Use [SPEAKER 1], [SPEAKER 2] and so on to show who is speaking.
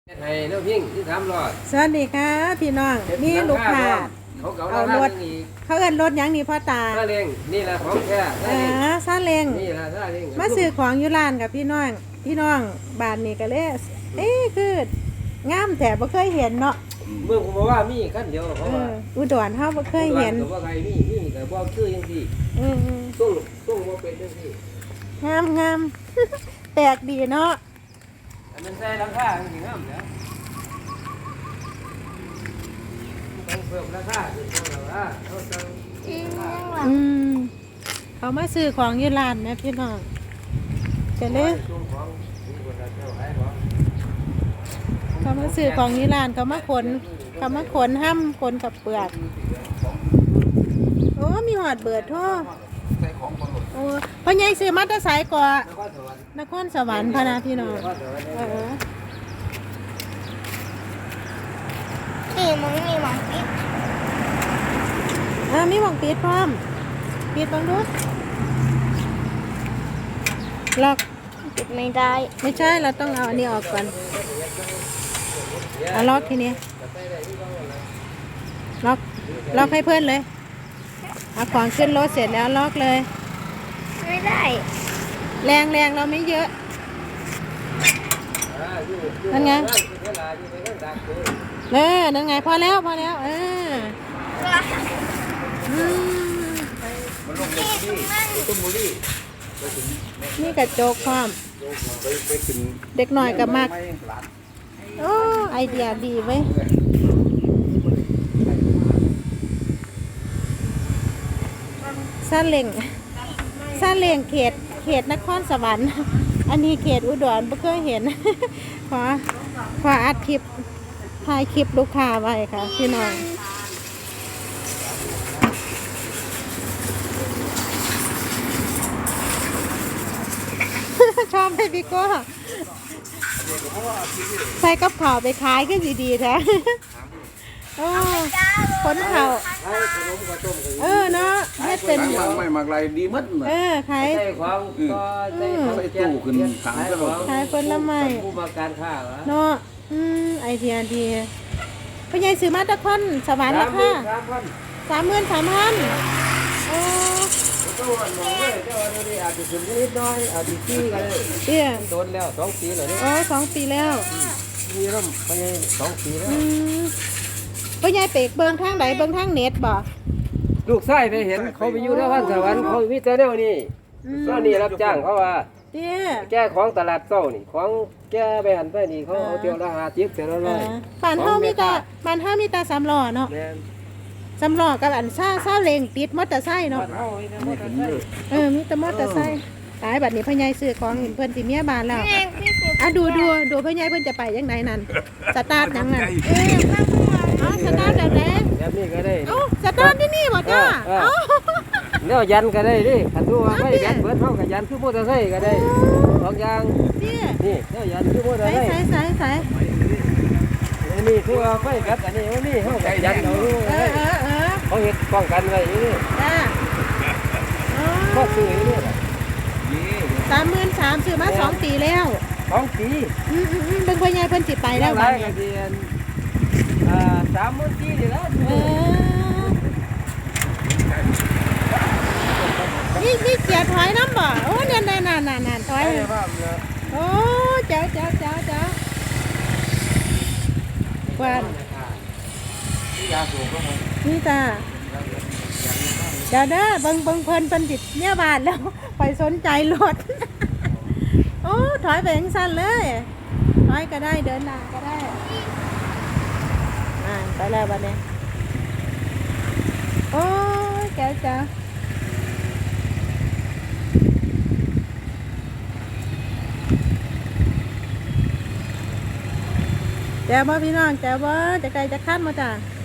[SPEAKER 1] ให้น้องพิงที่300
[SPEAKER 2] สวัสดีค่ะพี่น้องนี่ลูกค้าเอารถเขาเอิ้นรถหยังนี่พ่อตา
[SPEAKER 1] ซาเล้งนี่แหละของแท้
[SPEAKER 2] ซาเล้ง
[SPEAKER 1] นี่แหละซาเล้ง
[SPEAKER 2] มาซื้อของอยู่ร้านกับพี่น้องบ้านนี้ก็เลยคืองามแต่บ่เคยเห็นเนาะ
[SPEAKER 1] เมื่อผมบอกว่ามีคันเดียวเพราะว่า
[SPEAKER 2] อุดรเฮาบ่เคยเห็น
[SPEAKER 1] ว่าใครมีก็บ่คือจังซี่ต้องบ่เป็นจังซี่
[SPEAKER 2] งามแปลกดีเนาะ
[SPEAKER 1] อันนั้นใส่ราคาจริงๆงามแล้วต้องเพิ่มราคาคือว่าเขา
[SPEAKER 2] เขามาซื้อของอยู่ร้านนะพี่น้องก็เลยเขามาซื้อของอยู่ร้านเขามาขนห้ำขนกับเปลือกโอ้มีหอดเบิดท่อโอ้พ่อใหญ่ซื้อมาแต่ไสก่อนครสวรรค์พะนะพี่น้อง
[SPEAKER 3] นี่มึงมีหวังปิด
[SPEAKER 2] มีหวังปิดพร้อมปิดบังดูล็อก
[SPEAKER 3] ปิดไม่ได้
[SPEAKER 2] ไม่ใช่เราต้องเอาอันนี้ออกก่อนเอาล็อกทีนี้ล็อกให้เพื่อนเลยเอาของขึ้นรถเสร็จแล้วล็อกเลย
[SPEAKER 3] ไม่ได้
[SPEAKER 2] แรงเราไม่เยอะนั่นไงนั่นไงพอแล้วนี่กระจกความเด็กหน่อยกับมากโอ้ไอเดียดีเว้ยซาเล้งเขตนครสวรรค์อันนี้เขตอุดรไม่เคยเห็นขออัดคลิปถ่ายคลิปลูกค้าไว้ค่ะพี่น้องชอบให้พี่ก็ใส่กับข่าวไปขายก็ดีๆแท้ขนข่าวเนาะให้เป็น
[SPEAKER 4] ไม่มากไรดีมัด
[SPEAKER 2] ขาย
[SPEAKER 1] ใส่ของก็ใส่
[SPEAKER 4] ตู้ขึ้นถังตลอด
[SPEAKER 2] ขายผลไม้
[SPEAKER 1] ผู้มาการค้า
[SPEAKER 2] เนาะไอเดียดีพ่อใหญ่ซื้อมาตะคอนสวรรค์ราคา33,000โอ้
[SPEAKER 1] ตัวน้องเลยเจ้าอันนี้อาจจะถึงนิดน้อยอาจจะปีกันเลยโดนแล้ว2 ปีแล้วเนี่ย
[SPEAKER 2] 2 ปีแล้ว
[SPEAKER 1] มีร่มไป2 ปีแล้ว
[SPEAKER 2] พ่อใหญ่เปกเบิ่งทางไหนเบิ่งทางเน็ตบ่
[SPEAKER 1] ลูกชายไปเห็นเขาไปอยู่นครสวรรค์เขามีแต่แนวนี้รับจ้างเขาว่าแก้ของตลาดเช้านี่ของแก้ไปหันไปนี่เขาเอาเที่ยวละ50เที่ยวละ100
[SPEAKER 2] บ้านเฮามีแต่3ล้อเนาะ3ล้อกับอันซาเล้งติดมอเตอร์ไซค์เนาะมีแต่มอเตอร์ไซค์ตายบัดนี้พ่อใหญ่ซื้อของเพิ่นสิเมียบ้านแล้วดูพ่อใหญ่เพิ่นจะไปจังไดนั่นสตาร์ทจังนั่นสตาร์ทแบบ
[SPEAKER 1] นี้ก็ได้
[SPEAKER 2] สตาร์ทที่นี่บ่จ้า
[SPEAKER 1] แล้วยันก็ได้ดิคันดูว่าไม่ยันเบิดเฮาก็ยันคือมอเตอร์ไซค์ก็ได้2อย่างนี่แล้วยันคือมอเตอร์ไซค์
[SPEAKER 2] ใส่
[SPEAKER 1] อันนี้คือว่าไฟกัดอันนี้ว่านี่เฮาก็ยันเอาเขาเฮ็ดป้องกันไว้นี่ก็ซื้อนี่
[SPEAKER 2] 33,000ซื้อมา2 ปีแล้ว
[SPEAKER 1] 2 ปี
[SPEAKER 2] เบิ่งพ่อใหญ่เพิ่นสิไปแล้ว
[SPEAKER 1] บัดนี้30,000ปีนี่แล้ว
[SPEAKER 2] นี่เสียถอยน้ำบ่โอ้นั่นถอยโอ้เจ้ากวนนี่จ้าเดี๋ยวเด้อเบิ่งเพิ่นติดเนี่ยบาทแล้วไปสนใจรถโอ้ถอยไปจังซั่นเลยถอยก็ได้เดินหน้าก็ได้ไปแล้วบัดนี้โอ้แก้วจ้าแจ้วบ่พี่น้องแจ้วบ่จะไกลจะขั้นมาจ้า